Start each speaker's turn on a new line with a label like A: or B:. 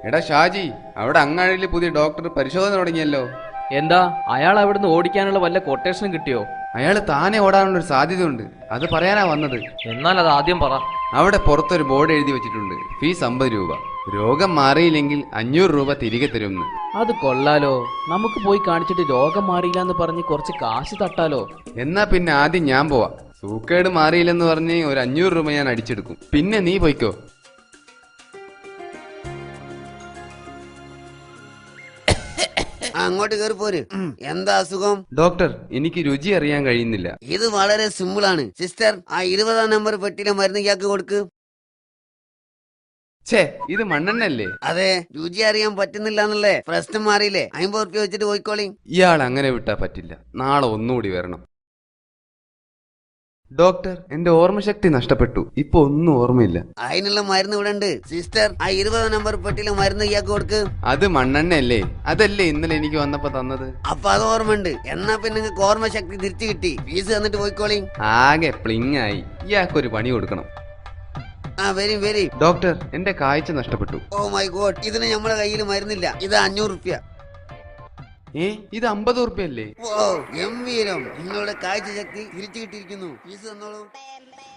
A: എടാ ഷാജി, അവിടെ അങ്ങാടിയിൽ പുതിയ ഡോക്ടർ പരിശോധന തുടങ്ങിയല്ലോ.
B: എന്താ അയാൾ അവിടുന്ന് ഓടിക്കാനുള്ള വല്ല കൊട്ടേഷനും കിട്ടിയോ?
A: അയാൾ താനെ ഓടാനുള്ളൊരു സാധ്യതയുണ്ട്, അത് പറയാനാ വന്നത്.
B: എന്നാൽ അത് ആദ്യം പറ.
A: അവിടെ പുറത്തൊരു ബോർഡ് എഴുതി വെച്ചിട്ടുണ്ട്, ഫീസ് 50 രൂപ, രോഗം മാറിയില്ലെങ്കിൽ 500 രൂപ തിരികെ തരുമെന്ന്.
B: അത് കൊള്ളാലോ. നമുക്ക് പോയി കാണിച്ചിട്ട് രോഗം മാറിയില്ല എന്ന് പറഞ്ഞ് കുറച്ച് കാശ് തട്ടാലോ.
A: എന്നാ പിന്നെ ആദ്യം ഞാൻ പോവാം. സൂക്കേട് മാറിയില്ലെന്ന് പറഞ്ഞ് ഒരു 500 രൂപ ഞാൻ അടിച്ചെടുക്കും, പിന്നെ നീ പോയിക്കോ.
C: അങ്ങോട്ട് കയറി പോര്. എന്താ അസുഖം?
A: ഡോക്ടർ, എനിക്ക് രുചി അറിയാൻ കഴിയുന്നില്ല.
C: ഇത് വളരെ സിമ്പിൾ ആണ് സിസ്റ്റർ. ആ 20-ാം നമ്പർ പെട്ടിയിലെ മരുന്ന് ഇയാൾക്ക് കൊടുക്ക്.
A: ഛേ, ഇത് മണ്ണെണ്ണല്ലേ?
C: അതെ, രുചി അറിയാൻ പറ്റുന്നില്ല എന്നല്ലേ പ്രശ്നം മാറിയില്ലേ? 50 ഉറുപ്പ്യ വെച്ചിട്ട് പോയിക്കോളി.
A: ഇയാൾ അങ്ങനെ വിട്ടാ പറ്റില്ല, നാളെ ഒന്നുകൂടി വരണം. ഡോക്ടർ, എന്റെ ഓർമ്മശക്തി നഷ്ടപ്പെട്ടു, ഇപ്പൊ ഒന്നും ഓർമ്മയില്ല.
C: അതിനുള്ള മരുന്ന് ഇവിടെ ഉണ്ട് സിസ്റ്റർ. ആ 20-ാം നമ്പർ പെട്ടിയിലെ മരുന്ന് ഇയാൾക്ക് കൊടുക്ക്.
A: അത് മണ്ണെണ്ണയല്ലേ? അതല്ലേ ഇന്നലെ എനിക്ക് വന്നപ്പോ തന്നത്.
C: അപ്പൊ അത് ഓർമ്മയുണ്ട്. എന്നാ പിന്നെ നിങ്ങൾക്ക് ഓർമ്മശക്തി തിരിച്ചു കിട്ടി. ഫീസ് തന്നിട്ട് പോയിക്കോളി.
A: ആകെ പ്ലിങ് ആയി. ഇയാൾക്കൊരു പണി കൊടുക്കണം.
C: ആ വരി.
A: ഡോക്ടർ, എന്റെ കാഴ്ച നഷ്ടപ്പെട്ടു.
C: ഓ മൈ ഗോഡ്, ഇതിന് നമ്മളെ കയ്യിൽ മരുന്നില്ല. ഇത് 500 ഉറുപ്പ്യ.
A: ഇത് 50 ഉറുപ്പ്യല്ലേ?
C: ഓ ഗംഭീരം, നിങ്ങളുടെ കാഴ്ച ശക്തി തിരിച്ചു കിട്ടിയിരിക്കുന്നു. ഫീസ് തന്നോളൂ.